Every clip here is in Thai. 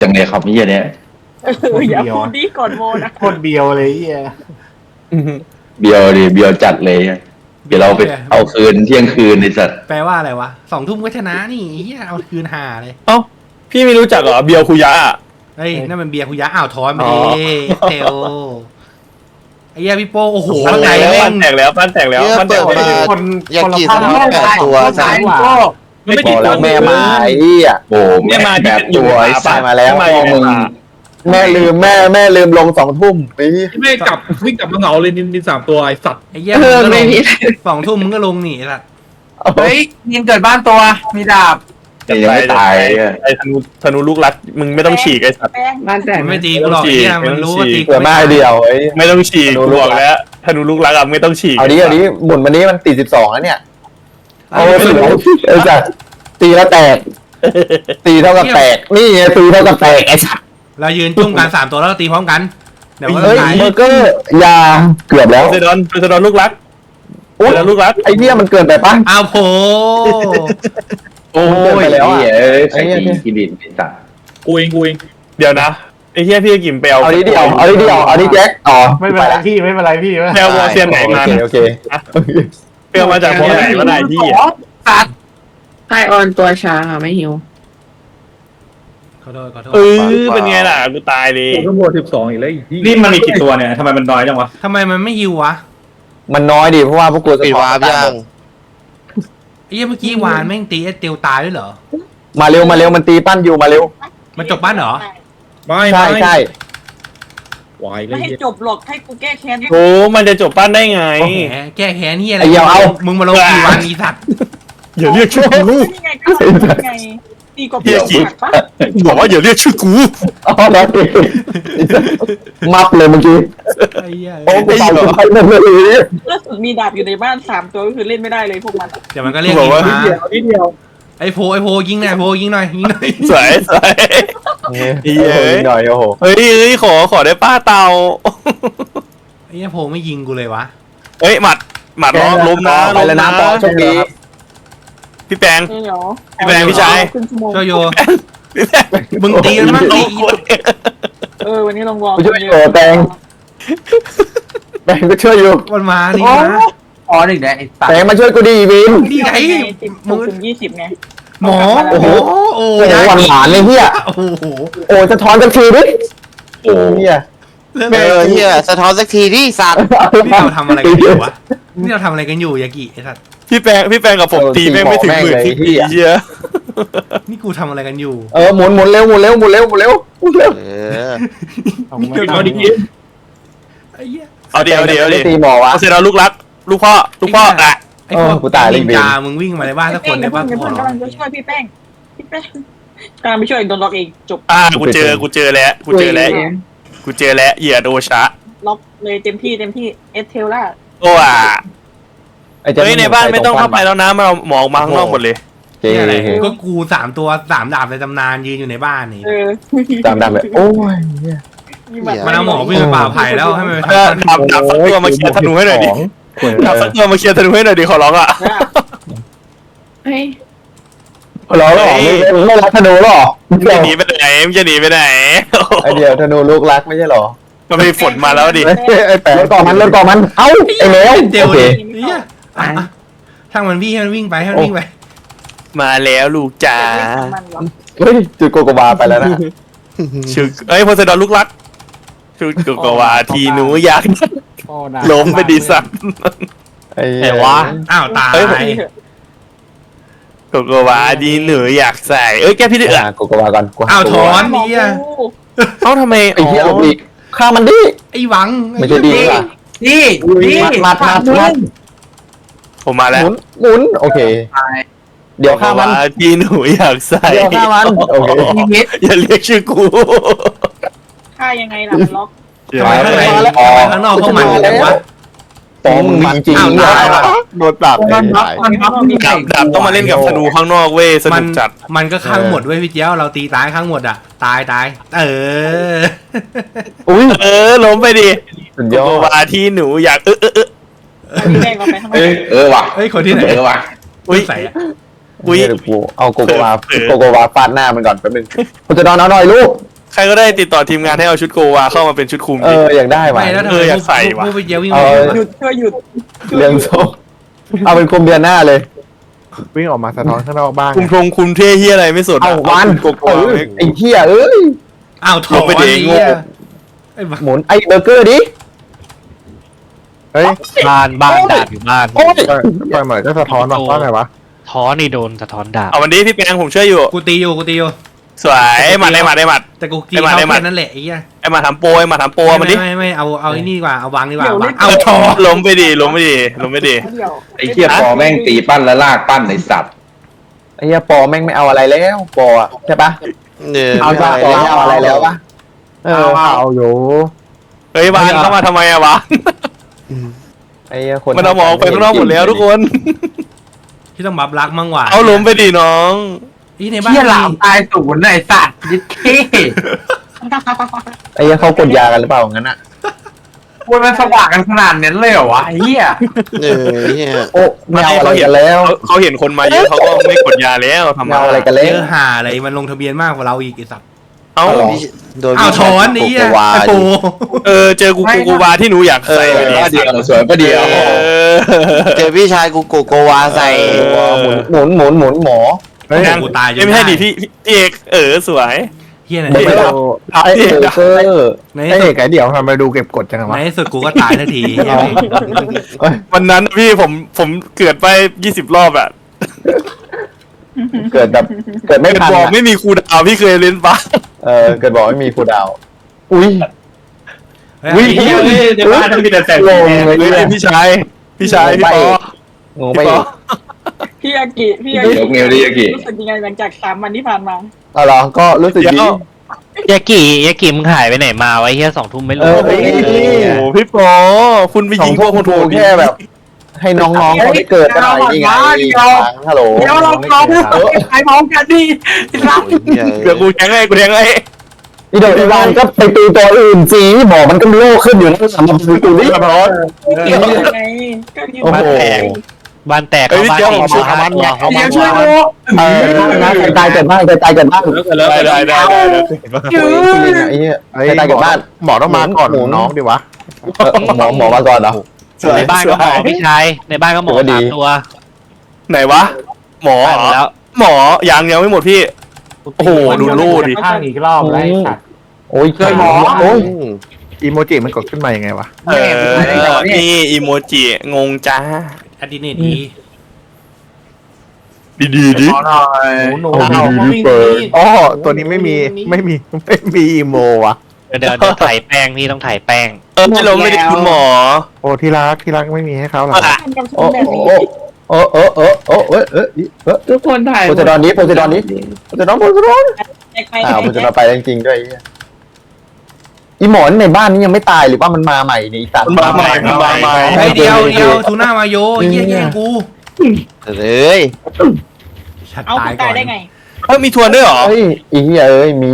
จังเลยครับนี่เนี่ยอย่าพูดดีก่อนโมนะโคตรเบียวเลยเฮียเบียวดิเบียวจัดเลยเดี๋ยวเราไปเอาคืนเที่ยงคืนในสัตว์แปลว่าอะไรวะ2 ทุ่มก็ชนะนี่เฮียเอาคืนหาเลยเอ้าพี่ไม่รู้จักเหรอเบียร์คุยะอะเฮ้ยนั่นมันเบียร์คุยะอ้าวถอนมาดิเทลไอ้เหี้ยพี่โป้โอ้โหปั้นไงแตกแล้วแม่ปั้งนแตกแล้วปั้นแตกแล้วเนี่ยปั้นแตเปิกดแล้วมาคนอยากคนละกี่พัสนนามแปดตัวคนสามกว่ามันไม่บกี่อกตัแล้ว วแม่มาไอ้เหี้ยโอ้แม่มาแบบตัวไอ้สัตว์มาแล้วแม่พ่อมึงมาแม่ลืมลง2 ทุ่มไอ้ไม่กลับวิ่งกลับมาเหงาเลยนิน3 ตัวไอสัตว์ไอ้เหี้ยมึงก็ลง2 ทุ่มมึงก็ลงหนีสัตว์เฮ้ยยิงเกิดบ้านตัวมีดาบยังไม่ตายไอ้ธนูลูกรักมึงไม่ต้องฉีกไอ้สัตว์แป้งบ้านแตกมันไม่ตีกูหรอกไอ้เหี้ยมันรู้ว่าตีเผื่อมาเดียวไอ้ไม่ต้องฉีกกูบอกแล้วธนูลูกรักอะไม่ต้องฉีกเอาดิหมุนวันนี้มันตี12แล้วเนี่ยเอาสุดไอ้สัตว์ตีแล้วแตกตีเท่ากับแตกนี่ไงตีเท่ากับแตกไอ้สัตว์เรายืนจุ่มกัน3 ตัวแล้วเราตีพร้อมกันเดี๋ยวว่าเฮ้ยตายเบอร์เกอร์ยาเกือบแล้วเซดอนลูกรักเซดอนลูกรักไอ้เนี่ยมันเกินไปปะอ้าวโผโอ้ยแล้วไอ้เนี่ยกินดินเป็นสัตว์กูเองเดี๋ยวนะไอ้เหี้ยพี่กิมไปเอาเอาดิเดียวเอาดิแจ็คอ๋อไม่เป็นไรพี่ไม่เป็นไรพี่แปลวอเซียนไหนมาโอเคเปลวมาจากพวกไหนก็ได้พี่อะไฮออนตัวช้าค่ะไม่หิวขอโทษขอโทษเป็นไงล่ะกูตายเลยกูต้องโหวต12อีกแล้วนี่มันมีกี่ตัวเนี่ยทำไมมันน้อยจังวะทำไมมันไม่ฮิววะมันน้อยดิเพราะว่าพวกกูปิดวาร์ปยังไอ้เหี้ยเมื่อกี้วานแม่งตีไอ้เตียวตายด้วยเหรอมาเร็วมันตีปั้นอยู่มาเร็วมันจบบ้านเหรอไม่ใช่วายเลไม่ยให้จบหรอกให้กูแก้แค้นโอ้มันจะจบปั้นได้ไงแหมแก้แค้นนี่อะไรไอ้เหี้ยเอามึงมาลงกี่วันอีสัตว์อย่าเรียกชื่อกูนี่ไงก็ไงตีกบหักปะบอกว่าอย่าเรียกชื่อกูอ๋อแล้วมับเลยเมื่อกี้ไอ้เหี้ยโอ้กูตายไปเลยล่าสุดมีดาบอยู่ในบ้าน3 ตัวก็คือเล่นไม่ได้เลยพวกมันเดี๋ยวมันก็เรียกบอกยิงว่ามานิดเดียวไอ้โพยิงหน่อยยิงหน่อยสวยสวยหน่อยโอ้โหเฮ้ยขอได้ป้าเตาไอ้เหี้ยโพไม่ยิงกูเลยวะเฮ้ยหมัดล้มนะไปแล้วนะปอโชคดีพี่แปงนี่เหรอพี่แบงค์พี่ชายครึ่งชั่วโมงช่วยโยพี่แปงมึงตีมันมั่งตีวันนี้ลองวอร์ช่วยโอ้แตงแตงก็ช่วยอยู่มันมานี่นะอ๋อหนึ่งแดงไอ้สัตแตว์งมาช่วยกูดีวินนี่ไงมึงถึง20ไงหมอโอ้โหโอ้โอ้โหหวานเลยเฮียโอ้โหโอ้สะท้อนสักทีดิโอ้เฮียเฮียสะท้อนสักทีดิสัตว์นี่เราทำอะไรกันอยู่วะนี่เราทำอะไรกันอยู่ยากิไอ้สัตว์พี่แปงกับผมตีแม่งไม่ถึง10,000ที่เชียนี่กูทำอะไรกันอยู่หมุนเร็วเออเอาดิกินไอ้เหี้ยเอาเดี๋ยวตีหมอวะเอาเสร็จแล้วลูกรักลูกพ่ออ่ะไอ้พวกกูตายเลยนินจามึงวิ่งมาในบ้านสักคนได้ป่ะเพื่อนกำลังจะช่วยพี่แป้งกำลังไปช่วยโดนล็อกเองจบกูเจอแล้วเหยียดโอชะล็อกเลยเต็มที่เอสเทลล่าโอ้อ่ะเฮ้ยในบ้านไม่ต้องเข้าไปแล้วนะมาหมองมาข้างนอกหมดเลยนี่อะไรก็กู3 ตัว3 ดาบในตำนานยืนอยู่ในบ้านนี่ตามแบบโอ้ยมันเอาหมอวิ่งไปป่าไผ่แล้วให้มันไปดับสักตัวมาเคลียร์ธนูให้หน่อยดิดับสักตัวมาเคลียร์ธนูให้หน่อยดิขอร้องอ่ะเฮ้ยเราหรอไม่รักธนูหรอจะหนีไปไหนจะหนีไปไหนไอเดียวธนูลูกรักไม่ใช่หรอมันมีฝนมาแล้วดิไอ้แปะก่อนมันเอ้าไอ้แมวเดี๋ยวดิช่างมันวิ่งให้มันวิ่งไปให้มันวิ่งไปมาแล้วลูกจ๋าเฮ้ยจุดโกโกบาไปแล้วนะชื่อโพไซดอนลูกรักชื่อกุกวาทีหนูอยากล้มไปดีสักไอ้วะอ้าวตายกุกวาดีหนูอยากใส่แกพี่เดือดโกโกบาก่อนอ้าวถอนนี่อ่ะทำไมไอ้เหี้ยลูกอีกฆ่ามันดิไอ้หวังไม่ใช่ดีป่ะนี่นี่มัดผมมาแล้วหมุนโอเคเดี๋ยวฆ่ามันทีหนูอยากใส่เดี๋ยวฆ่ามันโอเคอย่าเรียกชื่อกูฆ่ายังไงล่ะมันล็อกทำไมข้างในข้างนอกพวกมันแต่ว่าตอมึงจริงๆโดนปรับมันพับมีไก่ดาบต้องมาเล่นกับธนูข้างนอกเว้ยสนุกจัดมันก็ข้างหมดเว้ยพี่เจ้าเราตีตายข้างหมดอ่ะตายอุ้ยล้มไปดิสุดยกุอก ดวาทีหนูอยากพี่แป้งเราไปทำไมว่ะเฮ้ยคนที่ไหนว่ะอุ้ยใส่อะอุ้ยกูเอาโกโกวาฟาดหน้ามันก่อนแป๊บนึงกูจะนอนเอาหน่อยลูกใครก็ได้ติดต่อทีมงานให้เอาชุดโกวาเข้ามาเป็นชุดคุมดิอยากได้ว่ะไม่แล้วทำไมอยากใส่ว่ะพวกไปเจียววิ่งเอาไปหยุดช่วยหยุดเรื่องโซ่เอาเป็นคุมเดือนหน้าเลยวิ่งออกมาสะท้อนข้างนอกบ้างคุมเท่เฮียอะไรไม่สนเอาวันโกโกวาไม่ไอ้เหี้ยเอ้ยอ้าวถอลนงไปดิไอ้โง่เหี้ยไอ้บ้าหมุนไอ้เบอร์เกอร์ดิเฮ้ยบ้านดาบอยู่บ้านโอ้ยปล่อยเหมือนก็สะท้อนว่าเพราะอะไรวะท้อนนี่โดนสะท้อนดาบเอาวันนี้พี่แปงผมช่วยอยู่กูตีอยู่สวยไอ้หมัดแต่กูตีไอ้หมัดเขาไอ้หมัดแค่นั้นแหละไอ้เหี้ยไอ้หมาทำโปรมันดิไม่เอาไอ้นี่ดีกว่าเอาวางดีกว่าเดี๋ยววางเล่นเอาถอนล้มไปดิล้มไปดิเดี๋ยวไอ้เหี้ยปอแม่งตีปั้นแล้วลากปั้นในสัตว์ไอ้เหี้ยปอแม่งไม่เอาอะไรแล้วปออะใช่ปะเนี่ยเอาจากปอไม่เอาอะไรแล้วปะเอาอยู่เฮ้ยวานเข้ามาทำไมอะวะไอ้เหี้ยคนมันเอาหมอออกไปข้างนอกหมดแล้วทุกคนที่ต้องบับรักมั่งหว่าเอาล้มไปดิน้องอีในบ้านเหี้ยหลามตายศูนย์ไอ้สัตว์ยิดเท่ไอ้เหี้ยเขากดยากันหรือเปล่างั้นอ่ะพูดมันสว่างกันขนาดนั้นเลยเหรอวะไอ้เหี้ยเนี่ยโอ้ไม่เอาอะไรกันแล้วเขาเห็นคนมาเยอะเขาก็ไม่กดยาแล้วทำไม่เอาอะไรกันแล้เยวอะหาอะไรมันลงทะเบียนมากกว่าเราอีกไอ้สัตว์เอ้าโดนอ้าวถอนไอ้เหี้ยโกโกวาไอ้โปเจอกูวาที่หนูอยากใส่ก็เดียวสวยก็เดียวเจอพี่ชายกูโกโกวาใส่หมุนหมอเฮ้ยกูตายจนไม่ใช่ดิพี่เอกสวยเฮียไหนไม่ได้ ไอ้เบอร์เกอร์ในไอ้ที่สุเอดกไอ้เดี๋ยวทำไมดูเก็บกดจังวะในที่สุดกูก็ตายทันทีเหี้ยวันนั้นพี่ผมเกิดไป20 รอบอะเกิดแบบเกิดไม่เกิดทันบอกอะไม่มีครูดาวพี่เคยเล่นปะเกิดบอกไม่มีครูดาวอุ้ยเฮ้ยวิ่งไอ้เหี้ยในบ้านมันมีแต่แสงลงเลยเฮ้ยเนี่ยพี่ชายพี่ปองงไปพี่ปอพี่อากิพี่อากิยกเงวดิยากิรู้สึกยังไงหลังจาก3 วันที่ผ่านมาเอาเหรอก็รู้สึกดียากิมึงหายไปไหนมาไว้เฮีย2 ทุ่มไม่รู้เฮ้ยโอ้พี่ปอคุณไปสอยิงงพพววกกคุคุณ ณครูโทแค่แบบ ให้น้องๆเขาได้เกิดกันหน่อยนี่ไงฮัลโหลเดี๋ยวเราไปพร้อมกันดิไอ้สัตว์เดี๋ยวกูแทงให้อีโดอีวานก็ไปตีตัวอื่นสิบอกมันก็โลกขึ้นอยู่นะสำหรับกูนี่ร้อนยังไงก็ยังโอ้โหบ้านแตกเขาบ้านจริงเขาบ้านตัวเขาเดี๋บ้ายวน ช่วยกูนะใครตายเกิดบ้านใครตายเกิดบ้านได้ไอ้เหี้ยใครตายเกิดบ้านหมอต้องมาก่อนน้องดิวะหมอมาก่อนเหรอในบ้านก็หมอพี่ชายในบ้านก็หมอดี 3 ตัวไหนวะ หมอตายหมดแล้วหมอยังไม่หมดพี่ โอ้โหดูรูดิข้างอีกรอบไอ้สัตว์โอ้ยช่วยหมอโอ้ยอีโมจิมันกดขึ้นมายังไงวะนี่อีโมจิงงจ้าอดีเนตดีดีดิหน่อยหนูอ๋อตัวนี้ไม่มีอีโมวะเดี๋ยวถ่ายแป้งพี่ต้องถ่ายแป้งไม่ล้มไม่ได้คุณหมอโอ้ที่รักไม่มีให้เขาหรอทำกับฉัโอ้นแบบนี้โอ้ทุกคนถ่ายโพสดอนนี้โพสดอนอ้าวโพสดอนไปจริงๆด้วยอีหมอนในบ้านนี้ยังไม่ตายหรือว่ามันมาใหม่นี่สัตว์มันมาใหม่ไอ้เดียวทูน่ามาโยเหี้ยแย่งกูเอ้ยชัดเอาตายคุณก่ตาอย นได้ไงมีทวนด้วยเหรอเฮ้ยอีเหี้ยเอ้ยมี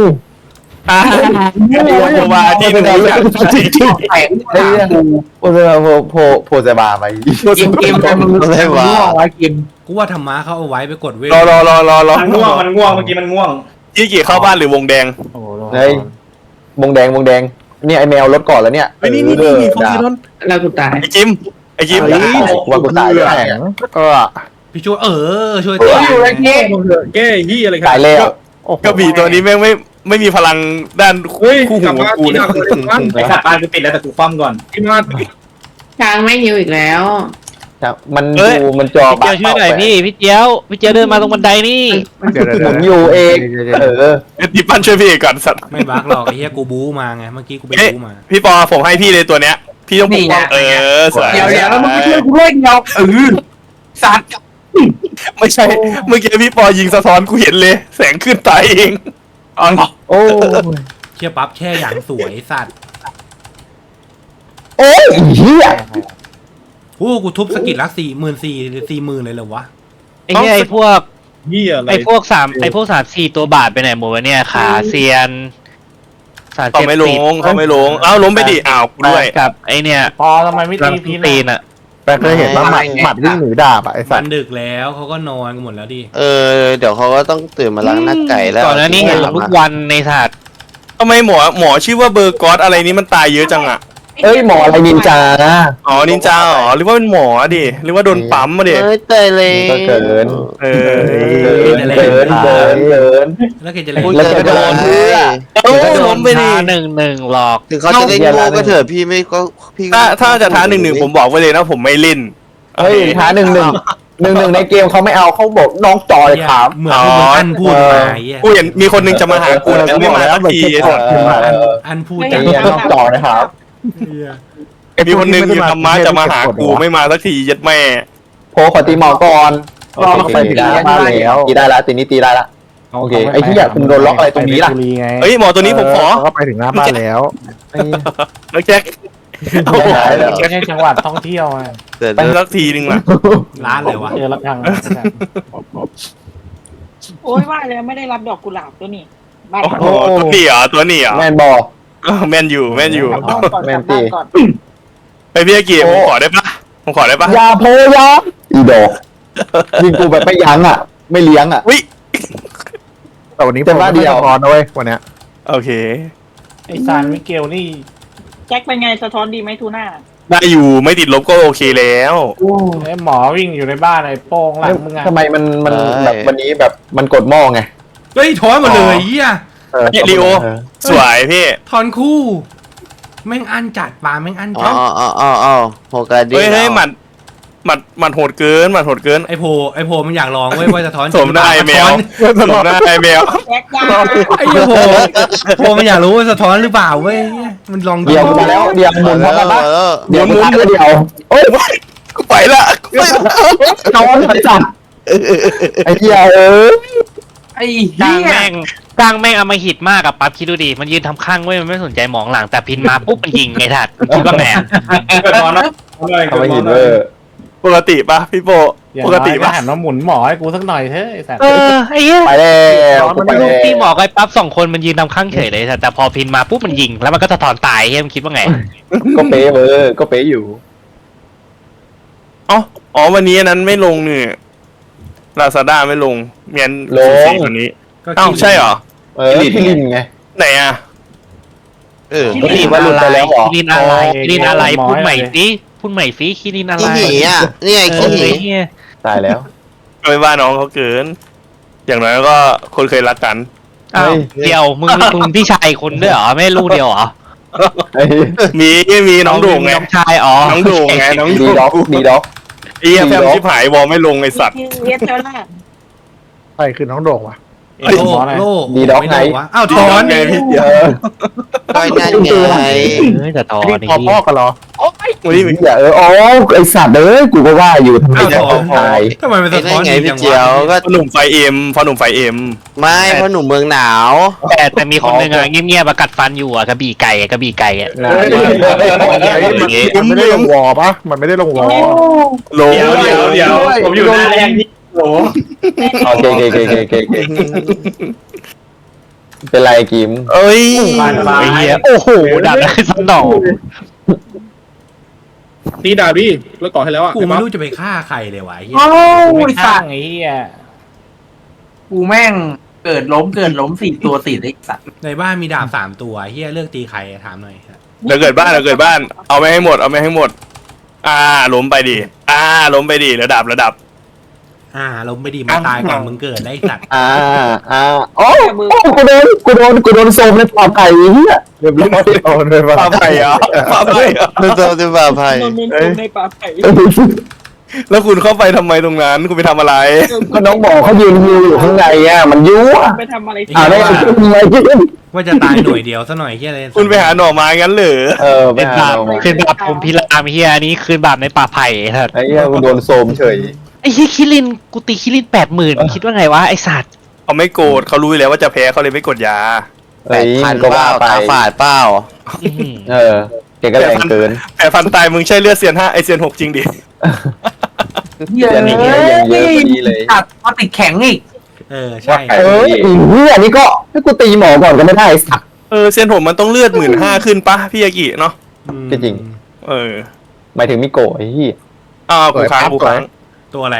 ว่าที่มึงอยากใช้แข็งไอ้เหี้ยโพสบาไปกิมอะไรวะไว้กิมกูว่าธรรมะเขาเอาไว้ไปกดเวทรอมันง่วงเมื่อกี้มันง่วงยี่กี่เข้าบ้านหรือวงแดงเฮ้ยมงแดงเนี่ยไอแมวรถก่อนแล้วเนี่ยนี่โฟกินอนแล้วกูตายไอ้จิมว่ากูตายแล้วพี่ช่วยช่วยอยู่เลยเงี้ยแก้ยี่อะไรตายแล้วกระบี่ตัวนี้แม่งไม่มีพลังด้านเฮ้ยคู่กหูลับมากูที่เลยไอ้สัตว์ปานกูติดแล้วแต่กูคว่ำก่อนที่มาช้างไม่หิวอีกแล้วมันดูมันจอพี่เจียวช่วยหน่อยพี่เจียวเดินมาตรงบันไดนี่หมุนอยู่เองพี่ปั้นช่วยพี่เอกก่อนสัตว์ไม่บักหรอกไอ้เหี้ยกูบู๊มาไงเมื่อกี้กูไปบู๊มาพี่ปอผมให้พี่เลยตัวเนี้ย พี่ต้องปกป้องสวยเดี๋ยวแล้วมึงช่วยกูด้วยเดียวสัตว์ไม่ใช่เมื่อกี้พี่ปอยิงสะท้อนกูเห็นเลย แสงขึ้นตายเองอ๋อโอ้เชี่ยปั๊บแค่อย่างสวยสัตว์โอ้ยเหี้ยโอ้กูทุบสกิลละ40,000เลยเหรอวะไอ้เนี่ยไอ้พวกยี่อะไรไอ้พวก3-4 ตัวบาทไปไหนหมดวะเนี่ยขาเซียนเขาไม่ลงล้มไปดิกูด้วยกับไอ้เนี่ยพอทำไมไม่ตีพีนตีนอ่ะแต่เคยเห็นว่าหมัดวิ่งหนีดาบไอ้สัมัตนว์ดึกแล้วเขาก็นอนกันหมดแล้วดิเดี๋ยวเขาก็ต้องตื่นมาล้างหน้าไก่แล้ว ก่อนหน้านี้เห็นทุกวันในศาสตร์ทำไมหมอชื่อว่าเบอร์กอสอะไรนี้มันตายเยอะจังอ่ะเอ้ยหมออะไรนินจานะอ๋อนินจาอ๋อหรือว่าเป็นหมอดิหรือว่าโดนปั๊มมาดิเอ้ยเตยเลยก็เกินเออเกินแล้วแกจะเล่นแล้วจะโดนเพื่อเออล้มไปดิ 1-1หรอกถึงเขาจะเล่นโง่ก็เถอะพี่ไม่ก็พี่ก็ถ้าจะท้า1-1ผมบอกไว้เลยนะผมไม่เล่นเฮ้ยท้า1-1ในเกมเขาไม่เอาเขาบอกน้องจอยถามเหมือนที่มึงอันพูดมาไอ้เหี้ยกูเห็นมีคนนึงจะมาหากูแต่ไม่มาสักทีอันพูดไอ้จังเหี้ยน้องจอยนะครับมีคนนึงอยู่ธรรมะจะมาหากูไม่มาสักทียัดแม่โพขอตีหมอก่อนไปตีได้แล้วตีได้แล้วตีนี้ตีได้ละโอเคไอ้ที่อยากคุณโดนล็อกอะไรตรงนี้ล่ะเฮ้ยหมอตัวนี้ผมขอเขาไปถึงหน้าบ้านแล้วแล้วแจ็คไม่ใช่จังหวัดท่องเที่ยวอ่ะไปสักทีนึงล่ะร้านเลยวะเจอรับทางโอ้ยว่าแล้วไม่ได้รับดอกกุหลาบตัวนี้บ้านโอ้โหตัวนี้เหรอตัวนี้เหรอแมนบอกแมนอยู่แมนอยู่กลับบ้านก่อนกลับบ้านก่อนไปพี่อากิผมขอได้ปะผมขอได้ปะยาโพยาอีดอกยิงกูแบบไม่ยั้งอ่ะ ไม่เลี้ยงอ่ะวิแต่วันนี้ผมไม่ได้พอนะเว้ยวันเนี้ยโอเคไอซานมิเกลนี่แจ็คเป็นไงสะท้อนดีไหมทูน่าได้อยู่ไม่ติดลบก็โอเคแล้วไอหมอวิ่งอยู่ในบ้านไอโป้งหลังมึงอ่ะทำไมมันแบบวันนี้แบบมันกดหม้อไงเฮ้ยถอนมาเลยเหี้ยเนี่ยลีโอสวยพี่ถอนคู่แม่งอันจัดปลาแม่งอันอ๋จัอดอ๋อโฮกาดีเฮ้ยหมัดโหดเกินหมัดโหดเกินไอโพมันอยากลองเว้ยว่าจะถอนสมได้แมวสมได้แมวแจ็คยาไอ้เหี้ยโพมันอยากรู้ว่าสะท้อนหรือเปล่าเว้ยมันลองเดี๋ยวมาแล้วเดี๋ยวหมุนพร้อมกันปะเดี๋ยวหมุนเดียวโอ้ยกูไปละกูไปละนอนไปจับไอ้เหี้ยไอ้กลาเหี้งยแม่งอำมหิตมากกับปั๊บคิดดูดิมันยืนทำข้างเว้ยมันไม่สนใจมองหลังแต่พินมาปุ๊บมันยิงไงทัดคิดว่าไงเกิดมอนนะทำไมหินเวอร์ปกติปะพี่โปปกติปะหันมาหมุนหมอให้กูสักหน่อยเถอะไอสัตว์ไอ้เหี้ยไปแล้วมันลูกที่หมอกับไอ้ปั๊บ2 คนมันยืนทำข้างเฉยเลยแต่พอพินมาปุ๊บมันยิงแล้วมันก็สะท้อนตายเฮ้ยมันคิดว่าไงก็เป๊ะเวอร์ก็เป๊ะอยู่อ๋อวันนี้นั้นไม่ลงเนี่ยลาซาด้าไม่ลงเมียนสีคนนี้อ้าวใช่เหรอพี่ลินไงไหนอ่ะก็ดีว่าหลุดไปแล้วเหรอคิรินอะไรพูดใหม่สิพูดใหม่สิคิรินอะไรขี้หนีอ่ะนี่ไงขี้หนีเนี่ยตายแล้วไม่ว่าน้องเขาเกิน อย่างน้อยก็คนเคยรักกันอ้าวเดียวมึงพี่ชายคนด้วยเหรอไม่ลูกเดียวเหรอมีน้องโด่งไงน้องชายอ๋อน้องโด่งไงน้องดีโด่ด็อกงดีด็อกไอ้แฟมชิบหายวอลไม่ลงไอสัตว์เวสเทลล่าใครคือน้องโด่งวะโล่ดีด็อกไงอ้าวถอนไงพี่เดียวก็นั่นไงแต่ตอนนี่นี้พอพ่อกันเหรอวันนี้อย่าอ๋อไอสัตว์กูก็ว่าอยู่ทำไมจะตายทำไมมันสะท้อนไงดีพี่จังเจียววะก็พ่อหนุ่มไฟเอ็มพ่อหนุ่มไฟเอ็มไม่เพราะหนุ่มเมืองหนาวแต่มีคนหนึ่งอะเงียบๆกัดฟันอยู่อะกระบี่ไก่อะมันไม่ได้ลงวอปะมันไม่ได้ลงวอลงเดี๋ยวผมอยู่หน้าแรงนี่โหโอเคเป็นไรกิมเอ้ยไอ้เหี้ยโอ้โหดับได้สนองตีดาบี้แล้วก่อให้แล้วอ่ะกูไม่รู้จะไปฆ่าใครเลยวะไอ้เหี้ยไม่สร้างไอ้เหี้ยกูแม่งเกิดล้ม4 ตัวติดไอ้สัตว์ในบ้านมีดาบ3 ตัวเหี้ยเลือกตีใครถามหน่อยเดี๋ยวเกิดบ้านเอาไม่ให้หมดล้มไปดิล้มไปดิระดับลงไม่ดีมาตายก่อนมึงเกิดได้สัตว์โอ้กูโดนโซมในปอบไก่เหี้ยเรียบร้อยโอนเลยปลาไผ่เหรอปลาไผ่เหรอดูตัวดูบ่าไพ่โดนมุมในป่าไผ่แล้วคุณเข้าไปทำไมตรงนั้นคุณไปทำอะไรก็น้องบอกเขายืนอยู่ข้างในอ่ะมันยั่วไปทำอะไรได้ทำไมกินว่าจะตายหน่วยเดียวซะหน่อยเหี้ยเลยคุณไปหาหน่อไม้งั้นเหรอไปเป็นหาบาปคืนบาปผมพิรามเฮียนี้คืนบาปในป่าไผ่สัตว์ไอ้เหี้ยกูโดนโซมเฉยไอ้เฮียคิรินกูตีคิริน80,000คิดว่าไงวะไอ้สัตว์เขาไม่โกรธเขารู้อยู่แล้วว่าจะแพ้เขาเลยไม่กดยา 8,000 ก็เปว่าล่าไปตาฝาดเปล่าแกก็แรงเกินแต่ฟันตายมึงใช่เลือดเซียน5ไอเซียน6จริงดิเยอะเยอะพอดีเลยตัดมาติดแข็งอีกใช่เหี้ยนี่ก็ให้กูตีหมอก่อนก็ไม่ได้สักเซียน6มันต้องเลือด15,000ขึ้นปะพี่ยากิเนาะก็จริง หมายถึงมิโกะไอ้เหี้ยกูค้างตัวอะไร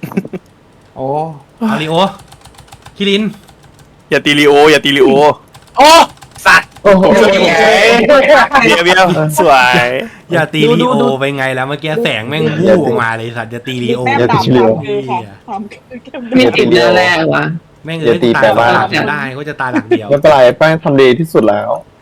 โอ้อาริโอคิรินอย่าตีลีโอโอ้สัตว์โอ้โหเบียร์เบียร์สวยอย่าตีลีโอไปไงแล้วเมื่อกี้แสงแม่งวูบออกมาเลยสัตว์จะตีลีโอแต้มย่าดำตีเร็วคือความคือเข้มไม่ติดเดือนแรกวะแม่งอย่าตีตายแต่ว่าหลักไม่ได้ก็จะตายหลักเดียวไม่เป็นไรแป้งทำดีที่สุดแล้ว